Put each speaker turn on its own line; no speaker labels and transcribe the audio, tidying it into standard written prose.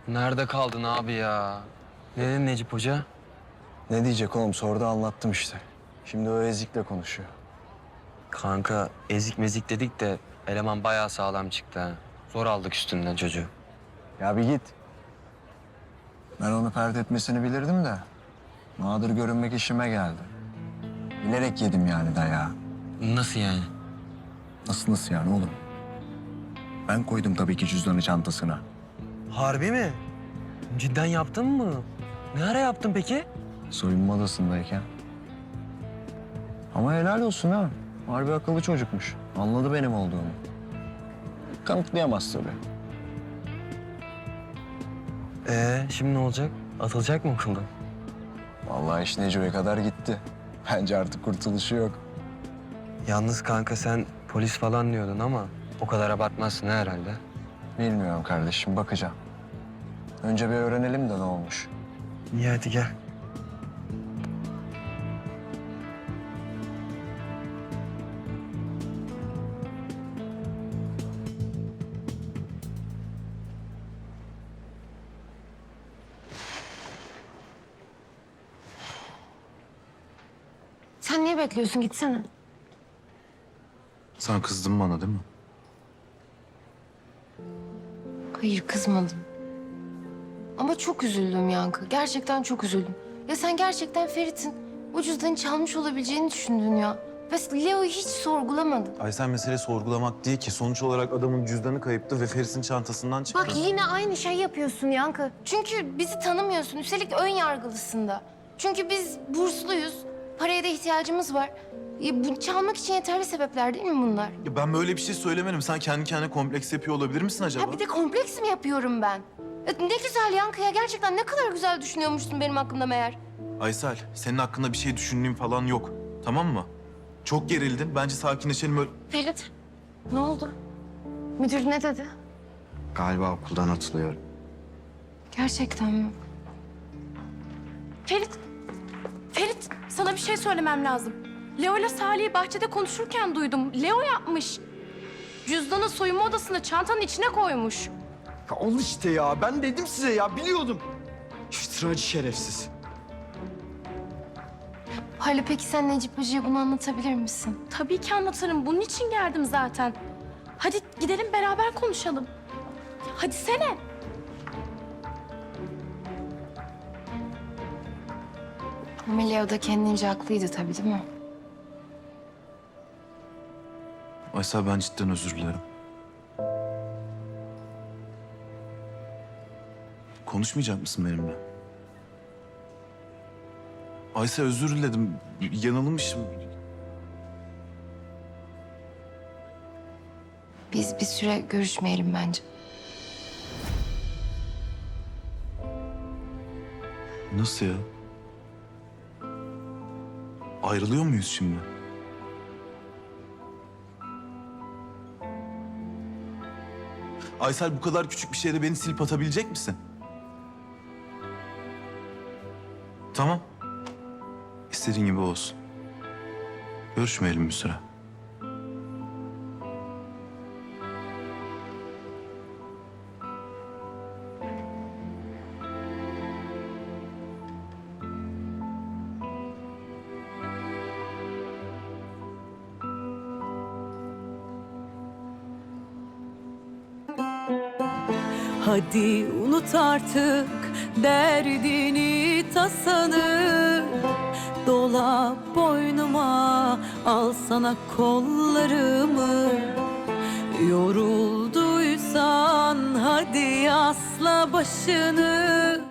Nerede kaldın abi ya? Ne dedi Necip Hoca?
Ne diyecek oğlum? Sordu anlattım işte. Şimdi o ezikle konuşuyor.
Kanka ezik mezik dedik de eleman bayağı sağlam çıktı ha. Zor aldık üstünden çocuğu.
Ya bir git. Ben onu pert etmesini bilirdim de. Nadir görünmek işime geldi. Bilerek yedim yani dayağı.
Nasıl yani?
Nasıl yani oğlum? Ben koydum tabii ki cüzdanı çantasına.
Harbi mi? Cidden yaptın mı? Ne ara yaptın peki?
Soyunma odasındayken. Ama helal olsun ha. Harbi akıllı çocukmuş. Anladı benim olduğumu. Kanıtlayamaz tabii.
Şimdi ne olacak? Atılacak mı okuldan?
Vallahi iş Neco'ya kadar gitti. Bence artık kurtuluşu yok.
Yalnız kanka sen polis falan diyordun ama o kadar abartmazsın herhalde.
Bilmiyorum kardeşim, bakacağım. Önce bir öğrenelim de ne olmuş.
İyi hadi gel.
Sen niye bekliyorsun? Gitsene.
Sen kızdın bana değil mi?
Hayır, kızmadım. Ama çok üzüldüm Yankı. Gerçekten çok üzüldüm. Ya sen gerçekten Ferit'in o cüzdanı çalmış olabileceğini düşündün ya. Ve Leo'yu hiç sorgulamadın.
Aysel, mesele sorgulamak değil ki. Sonuç olarak adamın cüzdanı kayıptı ve Feris'in çantasından çıktı.
Bak yine aynı şey yapıyorsun Yankı. Çünkü bizi tanımıyorsun. Üstelik ön yargılısın da. Çünkü biz bursluyuz. Paraya da ihtiyacımız var. Bu çalmak için yeterli sebepler değil mi bunlar?
Ya ben böyle bir şey söylemedim. Sen kendi kendine kompleks yapıyor olabilir misin acaba?
Ya bir de kompleks mi yapıyorum ben? Ne güzel Yankı ya. Gerçekten ne kadar güzel düşünüyormuşsun benim hakkımda meğer.
Aysel, senin hakkında bir şey düşündüğüm falan yok. Tamam mı? Çok gerildin. Bence sakinleşelim öyle.
Ferit, ne oldu? Müdür ne dedi?
Galiba okuldan atılıyorum.
Gerçekten mi?
Ferit, sana bir şey söylemem lazım. Leo ile Salih'i bahçede konuşurken duydum. Leo yapmış. Cüzdanı soyunma odasında çantanın içine koymuş.
Ya al işte ya. Ben dedim size ya. Biliyordum. İftiracı şerefsiz.
Hala peki sen Necip Hoca'ya bunu anlatabilir misin?
Tabii ki anlatırım. Bunun için geldim zaten. Hadi gidelim beraber konuşalım. Hadi sene.
Ama Leo da kendince haklıydı tabii değil mi?
Aysel, ben cidden özür dilerim. Konuşmayacak mısın benimle? Aysel, özür diledim. Yanılmışım.
Biz bir süre görüşmeyelim bence.
Nasıl ya? Ayrılıyor muyuz şimdi? Aysel, bu kadar küçük bir şeyde beni silip atabilecek misin? Tamam. İstediğin gibi olsun. Görüşmeyelim bir süre.
Hadi unut artık derdini tasanı, dola boynuma, al sana kollarımı. Yorulduysan hadi asla başını,